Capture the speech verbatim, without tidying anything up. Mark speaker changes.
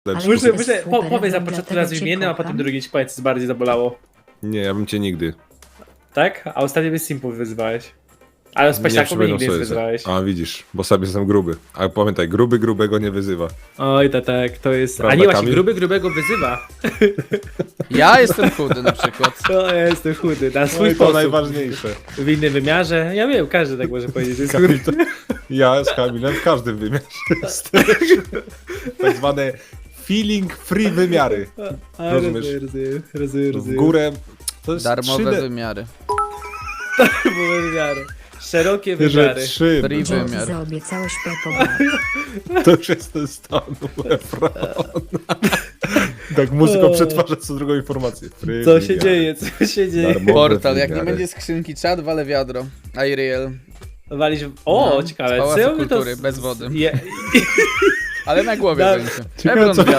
Speaker 1: Ale
Speaker 2: Muszę,
Speaker 1: jest
Speaker 2: muszę, po,
Speaker 1: super,
Speaker 2: powiedz na
Speaker 1: dlatego
Speaker 2: początku
Speaker 1: cię
Speaker 2: nazw imiennym, a
Speaker 1: kocham.
Speaker 2: potem drugi ci powiedz, co bardziej zabolało.
Speaker 1: Nie, ja bym cię nigdy.
Speaker 2: Tak? A ostatnio mnie Simpu wyzywałeś. Ale z
Speaker 1: Nie
Speaker 2: paślaką mnie
Speaker 1: przypominam
Speaker 2: nigdy nie
Speaker 1: sobie.
Speaker 2: wyzywałeś.
Speaker 1: A widzisz, bo sobie jestem gruby. Ale pamiętaj, gruby grubego nie wyzywa.
Speaker 2: Oj, to tak, to jest...
Speaker 1: Prawda,
Speaker 2: A nie, właśnie
Speaker 1: Kamil?
Speaker 2: gruby grubego wyzywa.
Speaker 3: Ja jestem chudy na przykład.
Speaker 2: O, ja jestem chudy, na swój
Speaker 1: No i to
Speaker 2: sposób.
Speaker 1: najważniejsze.
Speaker 2: W innym wymiarze. Ja wiem, każdy tak może powiedzieć, że jest
Speaker 1: Kamil,
Speaker 2: chudy.
Speaker 1: to, ja z Kamilem w każdym wymiarze jestem. Tak zwane feeling free wymiary.
Speaker 2: A,
Speaker 1: rozumiesz?
Speaker 2: rozumiem, rozumiem, rozumiem,
Speaker 1: W
Speaker 2: rozumiem.
Speaker 1: górę. To jest
Speaker 3: Darmowe
Speaker 1: trzy D.
Speaker 3: wymiary.
Speaker 2: Darmowe wymiary. Szerokie
Speaker 1: Że
Speaker 2: wymiary.
Speaker 1: trzy.
Speaker 3: Free
Speaker 1: no,
Speaker 3: wymiar.
Speaker 4: Zaobiecałeś Pepo.
Speaker 1: to już jest ten stan Efron. Tak muzyką
Speaker 2: O.
Speaker 1: przetwarza co drugą informację. Free
Speaker 2: Co się
Speaker 1: wymiary.
Speaker 2: dzieje, co się dzieje?
Speaker 1: Darmowe
Speaker 3: Portal, jak nie
Speaker 1: wymiary.
Speaker 3: będzie skrzynki czat, walę wiadro. Irreal.
Speaker 2: Walić... O,
Speaker 3: No,
Speaker 2: ciekawe.
Speaker 3: z Pałacu
Speaker 2: co ja bym to...
Speaker 3: Kultury, bez wody.
Speaker 2: Je...
Speaker 3: Ale na głowie
Speaker 2: Da-
Speaker 3: będzie.
Speaker 1: Ciekawe,
Speaker 3: Ebron
Speaker 1: co-